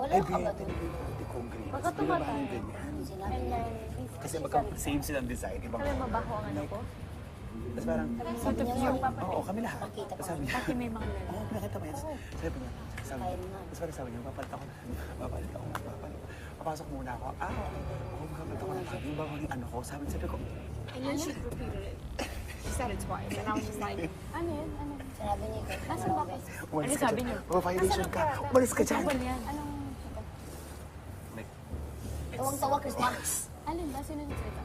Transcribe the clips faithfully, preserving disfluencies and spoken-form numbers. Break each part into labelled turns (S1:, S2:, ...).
S1: Wala ka ba doon?
S2: Hindi kong green.
S3: Baka tumatay.
S1: Sinabi niya.
S2: Kasi magka-same silang design. Ibang...
S3: Sabi, mabaho ang ano ko.
S2: Tapos parang,
S1: Sabi niya yun.
S2: oo, kami lahat.
S1: Nakita
S2: Tapos
S1: ko.
S2: sabi niya,
S3: Kasi may mga lalaki.
S2: oo, pinakita mo yan. Sabi niya, sabi niya, tapos parang sabi niya, papalit ako na, papalit ako na, papalit. Papasok muna ako. Ah, okay. Oo, papalit ako na. Yung bago yung ano ko, sabi sabi ko,
S4: And then she repeated it. She said it twice. And I was just like,
S3: Ano yun? Ano?
S1: Sinabi niya ikaw.
S3: Nasaan ba kayo?
S2: umalis
S3: Ano
S2: ka
S3: sabi
S2: dyan.
S3: niyo?
S2: Oh, violation ka. Umalis ka dyan.
S3: Ano yan? Anong...
S2: Like,
S1: Tawang-tawa, Chris Marks.
S3: Alin ba? Sino nagsalita?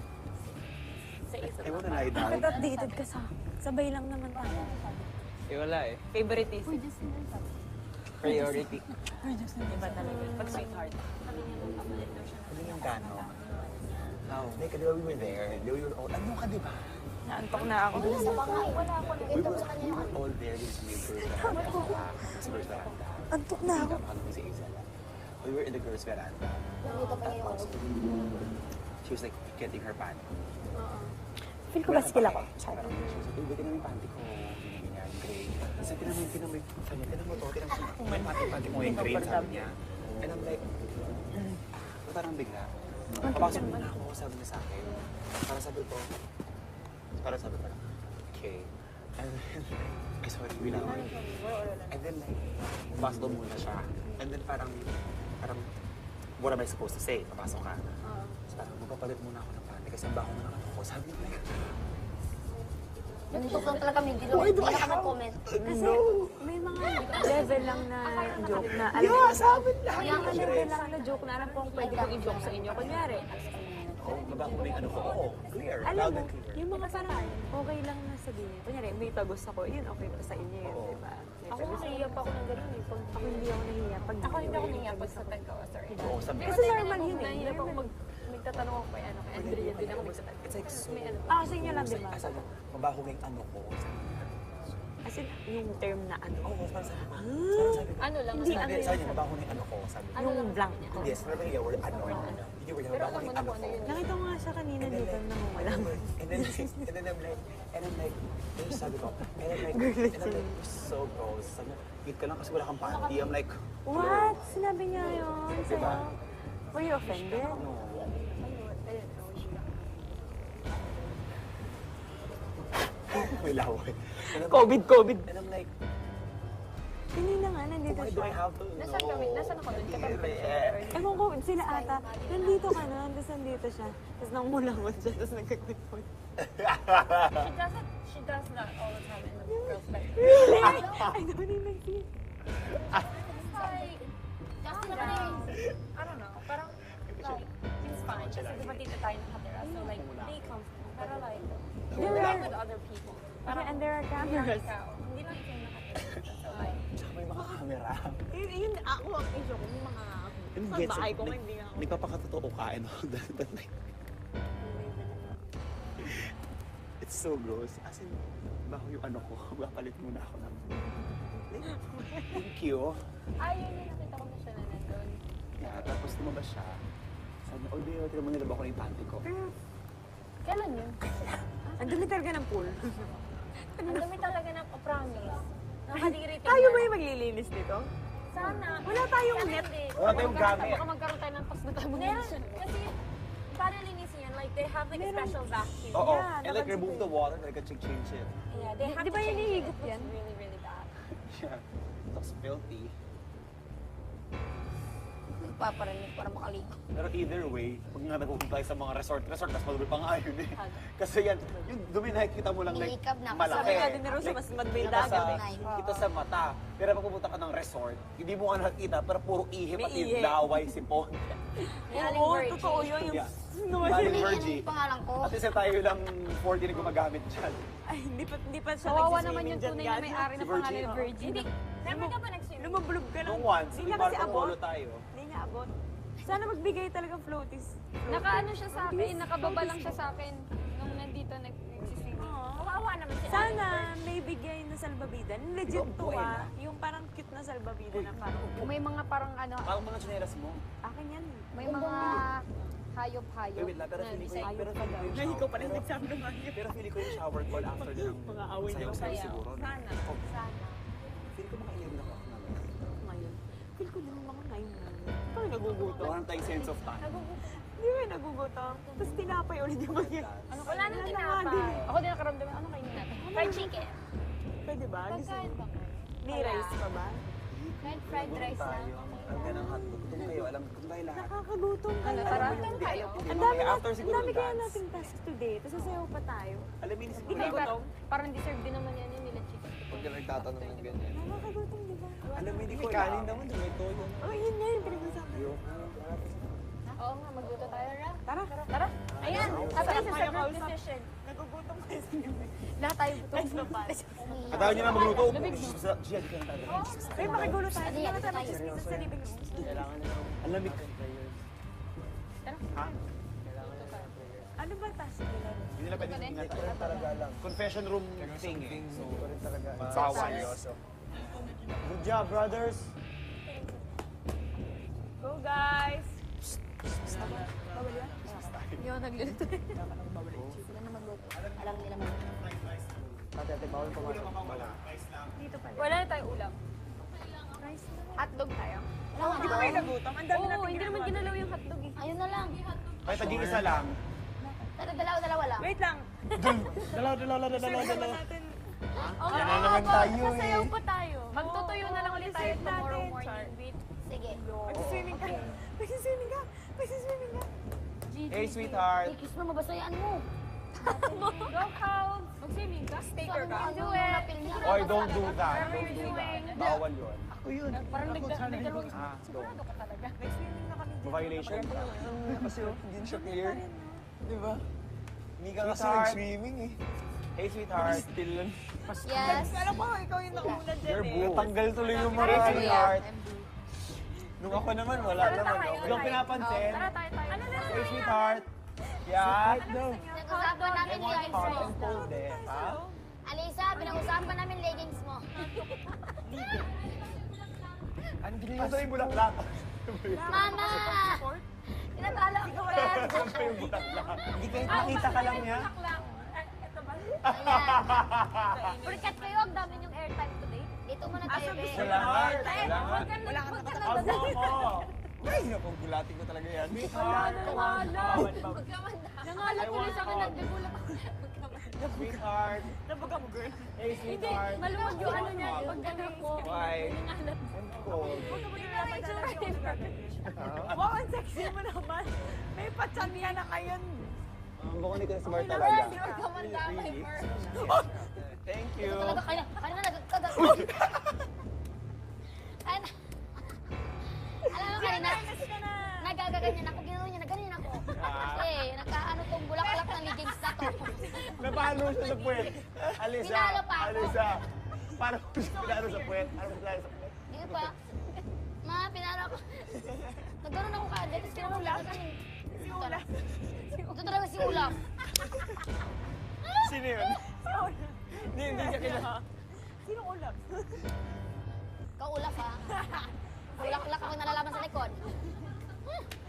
S3: Sa isa.
S2: I wanna lie down.
S3: Bakit updated ka sa... Sabay lang naman tayo.
S5: Eh, wala eh.
S3: Favoritism. Uy, just yun.
S5: Priority.
S3: Uy, just yun. Iba talaga. Pag sweetheart. Sabi niya nung kapalit daw siya.
S2: Ano yung gano? No, like, di ba we were there? Di ba we were all, ano ka, di ba?
S3: Naantok na ako.
S1: Wala sa bangay. Wala ako.
S2: We
S1: Nakita ko
S2: were,
S1: sa kanya
S2: we
S1: yung
S2: were all there in the girls' veranda. Sa girls' veranda.
S3: Antok na ako.
S2: Tama kami si Isela. We were in the girls' veranda.
S1: nakita pa niya yung ano.
S2: She was like getting her panty.
S3: Feel ko ba skill ako?
S2: Parang she was like, uy, buti na yung panty ko. Ganyan, gray. Kasi tinamay, tinamay, sabi niya, tinan mo to, tinan mo, may panty-panty mo yung gray, sabi niya. And I'm like, hmm, parang bigla. Papasok muna ako, sabi niya sa akin. Para sabi ko, para sabi ko, okay. And then, ay sorry, wala ako. And then like, papasok muna siya. And then parang, parang, what am I supposed to say? Papasok ka. So parang, magpapalit muna ako ng panty kasi ang baho na naman ako. Sabi niya, like,
S1: Nantok lang talaga kami. Hindi lang hindi na kami comment.
S3: Kasi may mga level lang na joke na alam
S2: yeah, sabi niya.
S3: May mga level lang na joke na alam kung pwede kong i-joke sa inyo. Kunyari,
S2: Oh, mabaho na yung ano ko. Oo, clear.
S3: alam
S2: Loud
S3: mo,
S2: and clear.
S3: yung mga parang okay lang na sabihin. Kunyari, may tagos ako, yun okay pa sa inyo yun,
S2: Oo.
S3: di ba? May
S4: ako
S3: tagos.
S4: nahiya pa ako ng ganun eh. Pag,
S3: Ako hindi ako nahiya pag
S4: ako hindi ako nahiya pag sa tagka o sorry.
S2: Oo, sabi
S3: Kasi normal yun eh.
S4: Nahiya pa ako mag, magtatanong ako kay ano, kay Andrea, din ako magtatanong.
S2: It's like so...
S4: May ano.
S3: Ah, sa inyo lang, di ba?
S2: As in, mabaho nga yung ano ko. Sabi niya.
S3: As in, yung term na ano.
S2: Oo, parang sabi ko. Parang sabi ko.
S4: Ano lang,
S3: Hindi,
S2: Sabi,
S3: ano
S2: sabi niya, mabaho na yung ano ko. Sabi niya.
S3: Yung blank.
S2: Yes, sabi niya, word ano. Hindi word,
S4: Pero
S2: mabaho
S4: alam
S2: na
S4: mo
S2: yung
S4: na
S2: ano
S4: kung
S2: ko.
S4: ano yun.
S3: Nakita ko nga siya kanina
S2: And then
S3: dito
S2: like,
S3: nang wala mo.
S2: and then, and then I'm like, and then like, yung sabi ko, and then like, and then like, you're so gross. Sabi niya, eat ka lang kasi wala kang panty. I'm like,
S3: What? Sinabi niya yun sa'yo?
S2: Diba?
S3: Were you offended?
S2: no. May laway. And I'm-
S3: COVID, COVID.
S2: And I'm like,
S3: Hindi na nga, nandito
S2: why do
S3: siya.
S2: I have to know?
S4: Nasaan kami? Nasaan ako doon? Katabi ko siya.
S2: Eh,
S3: Ewan ko, sila ata, nandito ka na, tapos nandito siya. Tapos nang mulangon siya, tapos nagkakwipon.
S4: She does it, she does that all the time in the girls' bedroom.
S3: Really? I don't even see.
S4: It's like,
S1: Kasi naman eh.
S4: I don't know, parang, like, it's fine. Kasi diba dito tayo nakatira, so like, they comfortable. Pero like,
S3: There
S4: we're
S3: are-
S4: with other people.
S3: Okay, and there are
S4: Hindi lang
S3: cameras.
S4: ikaw. Hindi lang ikaw yung nakatira dito. So like,
S2: Tsaka may mga camera.
S3: Yun, yun ako ang issue ko, yung mga
S2: And
S3: sa
S2: gets
S3: bahay
S2: it.
S3: ko,
S2: Nag-
S3: hindi nga ako.
S2: Nagpapakatotoo ka and all that. But like, it's so gross. As in, baho yung ano ko. Mapalit muna ako ng... Thank you.
S4: ay, yun yung nakita ko na siya na nandun.
S2: Yeah, tapos lumabas siya. Sabi niya, oh, Deo, tira mo nilaba ko na yung panty ko.
S4: Kailan yun?
S3: Ang dumi talaga ng pool.
S4: Ang dami talaga ng promise. Nakadiri tingnan.
S3: Tayo ba yung maglilinis dito?
S4: Sana.
S3: Wala tayong
S4: Sana
S3: net.
S4: hindi.
S2: Wala tayong
S4: Baka-
S2: gamit.
S4: Baka magkaroon tayo ng pas na tayo
S1: Meron.
S4: Kasi, paano linisin yan? Like, they have like a special vacuum.
S2: Oo.
S3: Yeah,
S2: And like,
S3: napansin
S2: remove
S3: ko
S2: the water, like, I can change it.
S4: Yeah, they have
S3: Di
S4: to
S3: ba yun
S4: change it.
S3: hihigop
S4: It
S3: yan?
S4: looks really, really bad.
S2: Yeah. It looks filthy.
S1: Nagpaparinig para makaligo.
S2: Pero either way, pag nga nagpupunta tayo sa mga resort, resort, mas madumi pa nga yun eh. Kasi yan, yung dumi nakikita mo lang like,
S1: Nilikab na.
S2: malaki.
S3: Sabi nga din ni Rosa, mas madumi
S2: kita
S3: dagat
S2: sa,
S1: eh.
S2: kita sa mata. Pero pag pupunta ka ng resort, hindi mo nga nakikita, pero puro ihip
S3: May
S2: at yung
S3: ihip.
S2: laway, sipon.
S4: Aling
S3: Oo,
S4: Virgie.
S3: totoo yun. Yung
S2: Yeah.
S3: snow.
S2: Aling
S1: Ano yung
S2: Virgie.
S1: pangalan ko?
S2: At isa tayo lang forty na gumagamit dyan.
S3: Ay, hindi pa, hindi pa siya
S4: Kawawa naman
S3: nagsiswimming
S4: yung
S3: dyan,
S4: tunay na
S3: guys.
S4: may-ari
S2: Si
S4: na pangalan
S2: Virgie.
S4: na Virgie. Hindi, never ka ba nag-swimming?
S3: Lumablob ka lang.
S2: Nung once,
S3: Hindi
S2: may
S3: niya kasi
S2: Marco
S3: abot.
S2: Polo tayo.
S3: Hindi niya abot. Sana magbigay talagang floaties.
S4: Nakaano siya sa akin, nakababa lang siya sa akin nung nandito nag-swimming. Kawawa naman siya.
S3: Sana may bigay na salbabida. Legit to ah. Yung parang cute na salbabida na parang
S4: May mga parang ano,
S2: Parang mga chineras mo.
S3: akin yan.
S4: may mga hayop-hayop.
S2: Wait, wait lang, pero
S4: na
S2: feeling ko
S4: design.
S2: yung, pero feeling ko yung
S3: Ngayon ko pa rin
S2: pero-
S3: nagsabi ng hayop.
S2: Pero feeling ko yung shower call after ng
S3: Mga away na
S2: sayaw-sayaw
S4: Sayaw.
S2: siguro. no?
S4: Sana,
S2: Oh,
S4: sana.
S2: feeling ko mga eleven o'clock na.
S3: Ngayon. Feel ko din mga nine na. kami nagugutom.
S2: Wala tayong sense of time.
S3: Hindi kami nagugutom. Tapos tinapay ulit yung bagay.
S4: Ano, wala nang
S3: Wala na nga
S4: tinapay.
S3: din.
S4: Ako din nakaramdaman, ano kainin natin?
S1: Fried chicken.
S3: Pwede ba? Gusto
S4: Pagkain
S3: mo?
S4: ba?
S3: May rice pa ba?
S1: Fried, fried rice lang.
S2: Tayo. Ang ganang hotdog. Doon kayo, alam ko tayo lahat.
S3: Nakakagutom
S4: Ano,
S3: kayo.
S4: tara?
S2: Hindi,
S4: tayo?
S2: alam ko din.
S3: Ang dami,
S2: Mamaya
S3: na,
S2: after
S3: ang
S2: siguro
S3: dami
S2: ng
S3: kaya
S2: dance.
S3: nating task today. Tapos sasayaw pa tayo.
S2: Alam mo, siguro
S4: Hindi, pero parang deserve din naman yan yung nila chicken.
S5: Huwag ka nagtatanong ng ganyan.
S3: Nakakagutom, di ba?
S2: Alam mo, hindi ko
S5: May kanin naman, may toyo.
S3: Oh, yun nga yung pinag-usapan.
S4: Oo nga, magluto tayo.
S3: Tara.
S4: Tara. Ayan, sabi na sa group
S3: kausap.
S4: decision.
S3: Nagugutom kayo sa gabi.
S4: Lahat tayo gutom.
S3: Let's go, pa.
S2: At ayaw niyo na magluto.
S4: Lumig mo.
S2: Gia, di ka na tayo.
S3: Ay, makigulo tayo.
S1: Ano
S3: Hindi
S1: yan?
S3: naman tayo
S1: Tayo.
S3: magchismisan sa living room.
S5: Kailangan nila ng
S2: Ang lamig. Ha?
S3: Ano ba task nila?
S2: Hindi nila pwede tingnan tayo.
S5: talaga lang.
S2: Confession room thing eh. So,
S5: Ito rin talaga.
S2: bawal yoso.
S5: Good job, brothers!
S3: Go, guys!
S4: Yung nagluluto.
S1: Sila na magluto. Alam nila magluto.
S5: Ate, ate, bawal pumasok.
S3: Dito pala.
S4: Wala na tayong ulam. Hotdog tayo.
S1: Wala nga
S3: Di ba
S1: na.
S3: kayo nagutom? Ang dami
S4: Oo,
S3: natin
S4: hindi naman ginalaw yung hotdog eh.
S1: Ayun na lang.
S2: Kahit taging isa lang.
S1: Tara, dalawa, dalawa lang.
S3: Wait lang.
S5: Dalaw, dalaw, dalaw, dalaw,
S3: Sabihan
S5: dalaw.
S3: natin.
S4: Oo,
S5: Yan na naman tayo eh.
S4: Sasayaw pa tayo. Magtutuyo na lang ulit tayo
S3: Reserve
S4: tomorrow
S3: natin.
S4: morning with
S1: Sige.
S3: Magsiswimming ka. Magsiswimming ka. Magsiswimming ka.
S2: Hey, sweetheart.
S1: Hey, kiss mo, mabasayaan mo.
S4: Go Cows! Mag-swimming ka? Staker ka?
S1: Ano
S4: Do
S1: yung
S4: it!
S1: napili?
S2: Oy, don't do that.
S4: Whatever you're doing.
S2: Bawal yun.
S5: Ako yun.
S4: Parang nagdalawang
S2: Ah, don't.
S4: sigurado ka talaga.
S3: Nag-swimming na kami dyan.
S2: Violation.
S5: Kasi oh, hindi siya clear. Di ba? Hindi ka kasi
S2: Sweetheart.
S5: nag-swimming eh.
S2: Hey, sweetheart.
S5: Still lang.
S1: Yes.
S3: Alam ko, ikaw yung nauna dyan
S2: You're
S3: eh.
S2: boo.
S5: Natanggal tuloy yung
S2: Hey,
S5: mga
S2: sweetheart.
S5: Nung ako naman, wala
S4: Tara
S5: naman.
S4: tayo.
S5: Huwag kang pinapansin.
S4: Tara tayo tayo. Ano na
S2: Hey, sweetheart. Yeah.
S1: Pinag-usapan namin leggings
S2: Hot
S1: mo.
S2: and cold eh. Ha?
S1: Alisa, pinag-usapan namin leggings mo.
S2: Ano ginagawa yung bulaklak?
S1: Mama! Tinatalo ako ulit.
S2: Siyempre yung bulaklak. Hindi kayo nakita ka lang niya.
S1: Ayan. Purikat kayo, ang dami yung airtime today. Dito muna tayo, be.
S2: Wala nga. Wala nga.
S4: Huwag ka na, huwag ka na.
S2: Ako ako. Ay, naku, gulatin ko talaga yan. Sweetheart.
S4: Nangalan.
S1: Huwag ka man na.
S4: Nangalan tuloy sa akin, nagdagulat ako.
S2: Sweetheart.
S3: Nabaga mo, girl.
S2: Hey,
S4: Hindi,
S2: sweetheart.
S4: maluwag yung ano niya, pag gano'n ko.
S2: Why?
S4: Nangalan.
S2: I'm cold.
S4: Hindi na may tsura eh.
S3: Wow, ang sexy mo naman. May patsamiya na kayo.
S2: Ang bako ni Chris Mark
S1: Huwag
S2: talaga.
S1: ka man damay,
S2: Really?
S1: Mer.
S2: Thank you.
S1: Talaga, kaya, kaya na nagkagat. Kaya na. Alam mo kanina, nagagaganyan ako, ginawa niya, nagaganyan ako. Kasi, nakaano tong bulaklak ng leggings na to.
S2: Napalo siya sa puwet. Alisa.
S1: Pinalo pa ako.
S2: Alisa. Paano ko siya pinalo sa puwet? Paano ko pinalo sa puwet?
S1: Hindi pa. Ma, pinaro ako. Nagkaroon ako kaagad, tapos kinamang lang kami. Si Ulap. Ito talaga si Ulap.
S5: Sino yun? Hindi, hindi niya kilala.
S3: Sino ulap?
S1: Kaulap ha. Bulaklak ako nalalaman sa likod.